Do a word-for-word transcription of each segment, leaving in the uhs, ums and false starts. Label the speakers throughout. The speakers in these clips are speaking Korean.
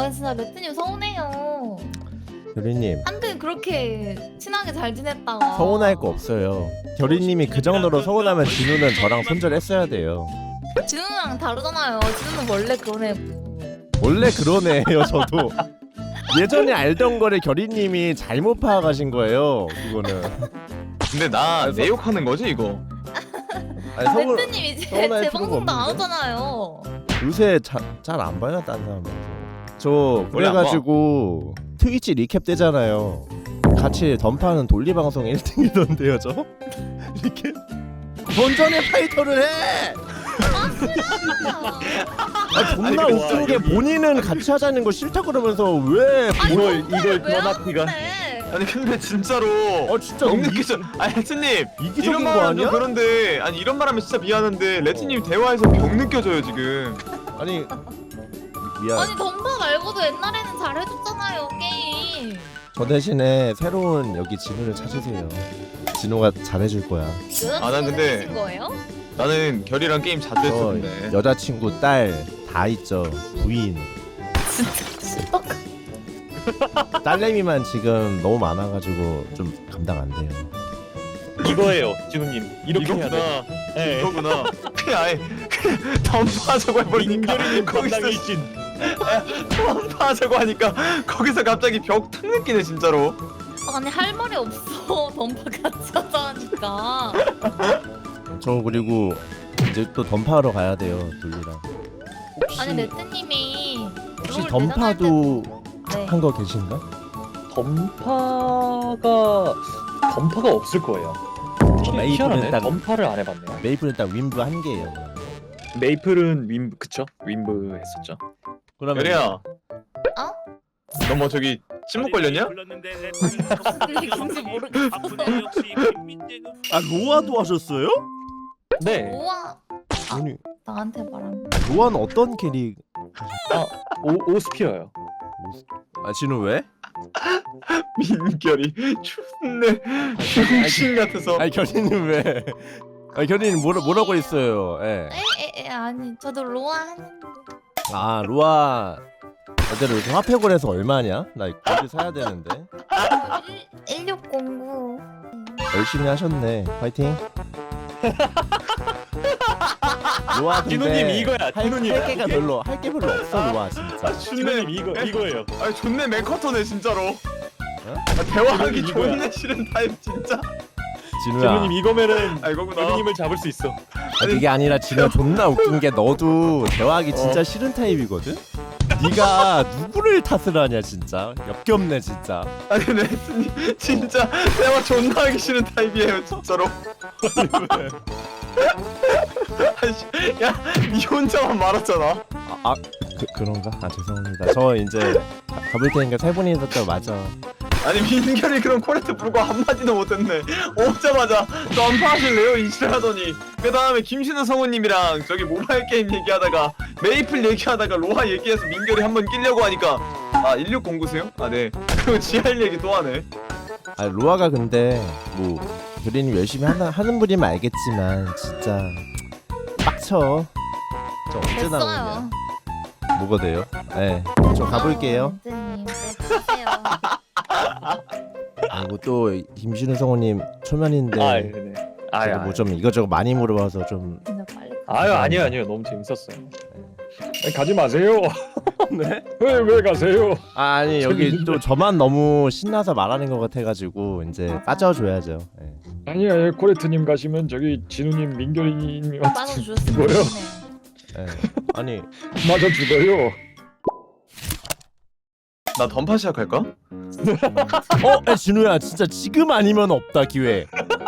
Speaker 1: 아 진짜 레트님 서운해요.
Speaker 2: 결이님
Speaker 1: 한때 그렇게 친하게 잘 지냈다가
Speaker 2: 서운할 거 없어요. 결이님이 그 정도로 서운하면 진우는 저랑 손절했어야 돼요.
Speaker 1: 진우랑 다르잖아요. 진우는 원래 그런 애고.
Speaker 2: 원래 그런 애예요 저도. 예전에 알던 거를 결이님이 잘못 파악하신 거예요. 그거는.
Speaker 3: 근데 나
Speaker 2: 아니,
Speaker 3: 내 욕하는 거지 이거?
Speaker 2: 아니, 서운,
Speaker 1: 레트님 이제
Speaker 2: 서운할
Speaker 1: 제
Speaker 2: 필요가
Speaker 1: 방송도 안
Speaker 2: 없는데?
Speaker 1: 오잖아요.
Speaker 2: 요새 잘 안 봐요 딴 사람 방송. 저
Speaker 3: 원래 안 봐.
Speaker 2: 그래가지고 트위치 리캡 되잖아요. 같이 던파하는 돌리 방송 일 등이던데요 저? 리캡? 본전의 파이터를 해! 아 존나
Speaker 4: 아니,
Speaker 2: 웃긴 게
Speaker 4: 여기-
Speaker 2: 본인은 같이 하자는 거 싫다 그러면서 왜
Speaker 1: 아니,
Speaker 4: 이걸-
Speaker 1: 뭔데?
Speaker 4: 이걸
Speaker 1: 왜
Speaker 4: 드라마티가-
Speaker 1: 하는데?
Speaker 3: 아니 근데 진짜로
Speaker 2: 어 진짜
Speaker 3: 너무
Speaker 2: 너무
Speaker 3: 느끼죠. 아니 레트님
Speaker 2: 이기적인
Speaker 3: 이런
Speaker 2: 거
Speaker 3: 말하면
Speaker 2: 아니야?
Speaker 3: 좀 그런데 아니 이런 말하면 진짜 미안한데 레트님 대화에서 병 느껴져요 지금.
Speaker 2: 아니 미안.
Speaker 1: 아니 덤바 말고도 옛날에는 잘해줬잖아요 게임.
Speaker 2: 저 대신에 새로운 여기 진우를 찾으세요. 진우가 잘해줄 거야.
Speaker 3: 아, 난 근데-
Speaker 1: 신 거예요?
Speaker 3: 나는 결이랑 게임 자주
Speaker 2: 저
Speaker 3: 했었는데.
Speaker 2: 여자친구 딸 다 있죠. 부인.
Speaker 1: 진짜
Speaker 2: 딸내미만 지금 너무 많아가지고 좀 감당 안 돼요.
Speaker 4: 이거예요, 진우님. 이렇게 해야 돼.
Speaker 3: 이거구나.
Speaker 4: 네.
Speaker 3: 이거구나. 그냥 아예 그냥 덤파하자고 해버리니까
Speaker 4: 민결이님
Speaker 3: 거기서
Speaker 4: 건강일진.
Speaker 3: 덤파하자고 하니까 거기서 갑자기 벽 탁 느끼네 진짜로.
Speaker 1: 아니 할 말이 없어. 덤바 같이 하자니까.
Speaker 2: 저 그리고 이제 또 던파하러 가야 돼요. 돌리랑. 혹시,
Speaker 1: 아니 레트님이
Speaker 2: 혹시
Speaker 1: 롤
Speaker 2: 던파도
Speaker 1: 네.
Speaker 2: 한 거 계신가?
Speaker 4: 던파가 던파가 없을 거예요.
Speaker 2: 메이플은
Speaker 4: 희한하네.
Speaker 2: 딱-
Speaker 4: 던파를 안 해봤네요.
Speaker 2: 메이플은 딱 윈브 한 개예요.
Speaker 4: 메이플은 윈브 그쵸? 윈브 했었죠.
Speaker 2: 그러면
Speaker 3: 결이야.
Speaker 1: 어?
Speaker 3: 너 뭐 저기 침묵 걸렸냐?
Speaker 1: 무슨 얘기인지 모르겠어.
Speaker 2: 아 로아도 하셨어요?
Speaker 4: 네.
Speaker 1: 우와
Speaker 2: 아니
Speaker 1: 나한테 말하는.
Speaker 2: 로아는 어떤 캐릭?
Speaker 4: 오 오스피어요.
Speaker 2: 아 진우 왜?
Speaker 3: 민결이 존내 병신 같아서.
Speaker 2: 아니 결이는 왜? 아 결이는 뭐라 뭐라고 했어요? 예.
Speaker 1: 에에에 아니 저도 로아 하는데.
Speaker 2: 아 로아 어제로 이렇게 화폐골에서 얼마냐? 나 이거 사야 되는데.
Speaker 1: 일육공구.
Speaker 2: 열심히 하셨네. 파이팅. 로아 근데
Speaker 4: 진우님 이거야.
Speaker 2: 할,
Speaker 4: 진우님.
Speaker 2: 할 게가 별로 할 게 별로 없어 로아 진짜.
Speaker 4: 진우님 이거 이거예요.
Speaker 3: 아니 존내 맨커터네 진짜로. 아, 대화하기
Speaker 4: 진우님 이거야.
Speaker 3: 존내 싫은 타입 진짜.
Speaker 2: 진우야.
Speaker 4: 진우님 이거면은
Speaker 3: 아 이거구나.
Speaker 4: 결이님을 잡을 수 있어.
Speaker 2: 아, 그게 아니라 진우 존나 웃긴 게 너도 대화하기 진짜 싫은 타입이거든. 네가 누구를 탓을 하냐 진짜 역겹네 진짜.
Speaker 3: 아니 레트님 진짜 대화 존나 하기 싫은 타입이에요 진짜로. 아이씨, 야, 니 혼자만 말았잖아.
Speaker 2: 아, 아 그, 그런가? 아 죄송합니다. 저 이제 가- 가볼 테니까 세 분이 있었다 맞아.
Speaker 3: 아니 민결이 그런 코레트 불고 한마디도 못했네. 오자마자 덤파하실래요? 이지랄하더니 그 다음에 김신우 성우님이랑 저기 모바일 게임 얘기하다가 메이플 얘기하다가 로아 얘기해서 민결이 한번 끼려고 하니까 아 일육공구세요? 아 네. 그리고 지할 얘기 또 하네.
Speaker 2: 아 로아가 근데 뭐 교리님 열심히 하나, 하는 분이면 알겠지만 진짜 빡쳐. 저 언제 나오냐?
Speaker 1: 됐어요.
Speaker 2: 뭐가 돼요? 네, 저 가볼게요.
Speaker 1: 레트님 가세요.
Speaker 2: 그리고 또 김신우 성우님 초면인데
Speaker 4: 아, 네. 아유,
Speaker 2: 뭐 좀 이것저것 많이 물어봐서 좀
Speaker 1: 진짜 빨리.
Speaker 4: 아유 아니요 아니요 너무 재밌었어요. 아니, 가지 마세요.
Speaker 2: 네?
Speaker 4: 왜 왜 가세요?
Speaker 2: 아, 아니 여기 또 저만 너무 신나서 말하는 것 같아가지고 이제 빠져줘야죠. 네.
Speaker 4: 아니야 코레트님 가시면 저기 진우님 민결이님
Speaker 1: 빠져주셨으면
Speaker 4: 뭐요?
Speaker 1: 좋겠네.
Speaker 2: 네. 아니
Speaker 4: 맞아 죽어요.
Speaker 3: 나 덤파 시작할까?
Speaker 2: 어? 야, 진우야 진짜 지금 아니면 없다 기회.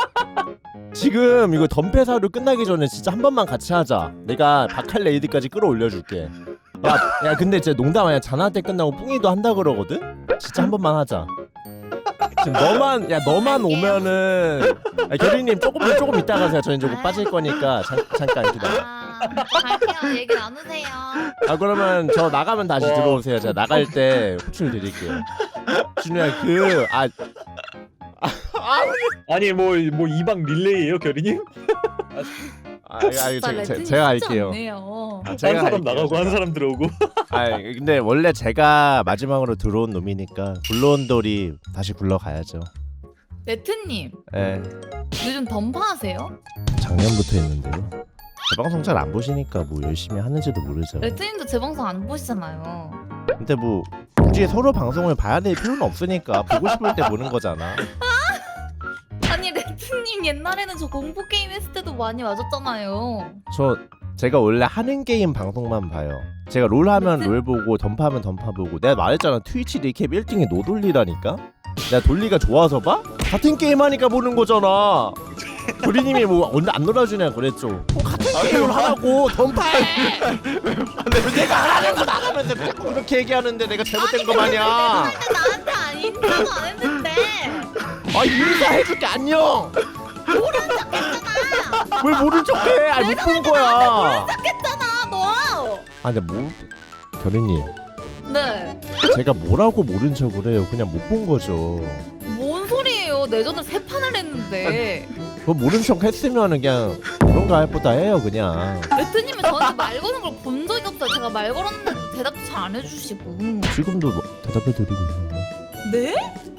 Speaker 2: 지금 이거 덤페사료 끝나기 전에 진짜 한 번만 같이 하자. 내가 바칼 레이드까지 끌어올려줄게. 야, 야 근데 진짜 농담 아니야. 자나 때 끝나고 뿡이도 한다 그러거든? 진짜 한 번만 하자. 지금 너만 야 너만 오면은 야, 결이님 조금 조금 이따 가세요. 저희 이제 곧 빠질 거니까 잠, 잠깐 기다려.
Speaker 1: 아 갈게요. 얘기 나누세요.
Speaker 2: 아 그러면 저 나가면 다시
Speaker 4: 와.
Speaker 2: 들어오세요. 제가 나갈 때 호출 드릴게요. 진우야 그아
Speaker 4: 아니 뭐 뭐 이방 릴레이예요 결이님?
Speaker 2: 아, 아,
Speaker 1: 진짜
Speaker 2: 제, 제,
Speaker 1: 레트님
Speaker 2: 제가
Speaker 1: 쉽지
Speaker 2: 할게요.
Speaker 1: 않네요.
Speaker 2: 아,
Speaker 4: 한
Speaker 2: 제가
Speaker 4: 사람
Speaker 2: 할게요.
Speaker 4: 나가고 한 사람 들어오고.
Speaker 2: 아 근데 원래 제가 마지막으로 들어온 놈이니까 굴러온 돌이 다시 굴러가야죠.
Speaker 1: 레트님
Speaker 2: 예.
Speaker 1: 요즘 던파하세요?
Speaker 2: 작년부터 했는데요. 제 방송 잘 안 보시니까 뭐 열심히 하는지도 모르죠.
Speaker 1: 레트님도 제 방송 안 보시잖아요.
Speaker 2: 근데 뭐 굳이 서로 방송을 봐야 될 필요는 없으니까 보고 싶을 때 보는 거잖아.
Speaker 1: 아니 레트님 옛날에는 저 공포 게임 했을 때도 많이 와줬잖아요.
Speaker 2: 저 제가 원래 하는 게임 방송만 봐요. 제가 롤 하면
Speaker 1: 레트-
Speaker 2: 롤 보고 던파하면 던파 보고. 내가 말했잖아 트위치 리캡 일 등이 노돌리라니까. 내가 돌리가 좋아서 봐? 같은 게임 하니까 보는 거잖아. 도리님이 뭐 언제 안 놀아주냐 그랬죠. 뭐 같은
Speaker 3: 아니,
Speaker 2: 게임을
Speaker 3: 뭐-
Speaker 2: 하라고 던파해. 왜 내가 하라는 거 나가면서 자꾸 그렇게 얘기하는데 내가 잘못된 거 마냥.
Speaker 1: 근데 나한테 안 인사도 안 했는데.
Speaker 2: 아 인사해줄게 안녕.
Speaker 1: 모른 척했잖아.
Speaker 2: 뭘 모른 척해? 아니 못 본 거야.
Speaker 1: 했잖아 너.
Speaker 2: 아 근데 뭐 결이님
Speaker 1: 네.
Speaker 2: 제가 뭐라고 모른 척을 해요. 그냥 못 본 거죠.
Speaker 1: 뭔 소리예요? 내전을 세 판을 했는데.
Speaker 2: 그 모른 척 했으면은 그냥 그런가 할 보다 해요 그냥.
Speaker 1: 레트님은 저한테 말 거는 걸 본 적이 없어요. 제가 말 걸었는데 대답도 잘 안 해주시고.
Speaker 2: 지금도 뭐 대답해 드리고 있는데.
Speaker 1: 네?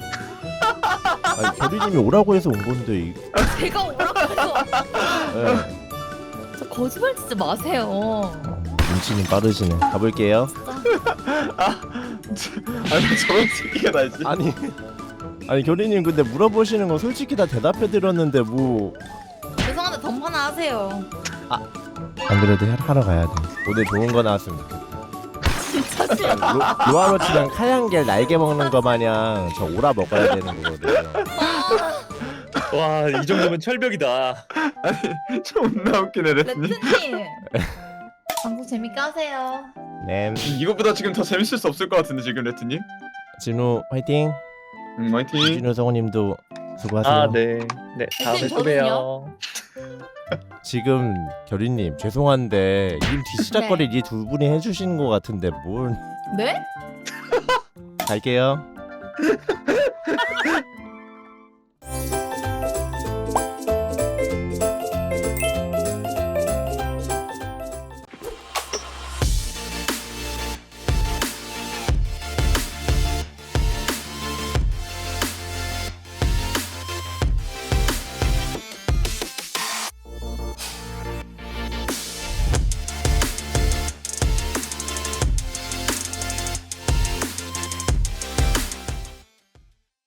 Speaker 2: 아니 결이님이 오라고 해서 온 건데 이,
Speaker 1: 제가 오라고 해서.
Speaker 2: 예.
Speaker 1: 저 거짓말 치지 마세요.
Speaker 2: 눈치는 빠르시네. 가볼게요.
Speaker 3: 아니 저런 새끼가 나지.
Speaker 2: 아니 아니 결이님 근데 물어보시는 거 솔직히 다 대답해 드렸는데 뭐 안
Speaker 1: 죄송한데 던파나 하세요.
Speaker 2: 그래도 하- 하러 가야 돼. 오늘 좋은 거 나왔으면 좋겠다.
Speaker 1: 진짜 싫어.
Speaker 2: 로, 로아로치랑 카양겔 날개 먹는 거 마냥 저 오라 먹어야 되는 거거든요.
Speaker 5: 와 이 정도면 철벽이다.
Speaker 3: 존나 웃기네 레트님.
Speaker 1: 레트님. 방송 재밌게 하세요.
Speaker 2: 네.
Speaker 3: 이것보다 지금 더 재밌을 수 없을 것 같은데 지금 레트님.
Speaker 2: 진우 화이팅.
Speaker 3: 음 화이팅.
Speaker 2: 진우 성우님도 수고하세요.
Speaker 5: 아 네. 네 다음에 또
Speaker 1: 저는요?
Speaker 5: 봬요.
Speaker 2: 지금 결이님 죄송한데 님 뒤시락거리 이 두 분이 해주시는 것 같은데 뭘
Speaker 1: 네?
Speaker 2: 갈게요.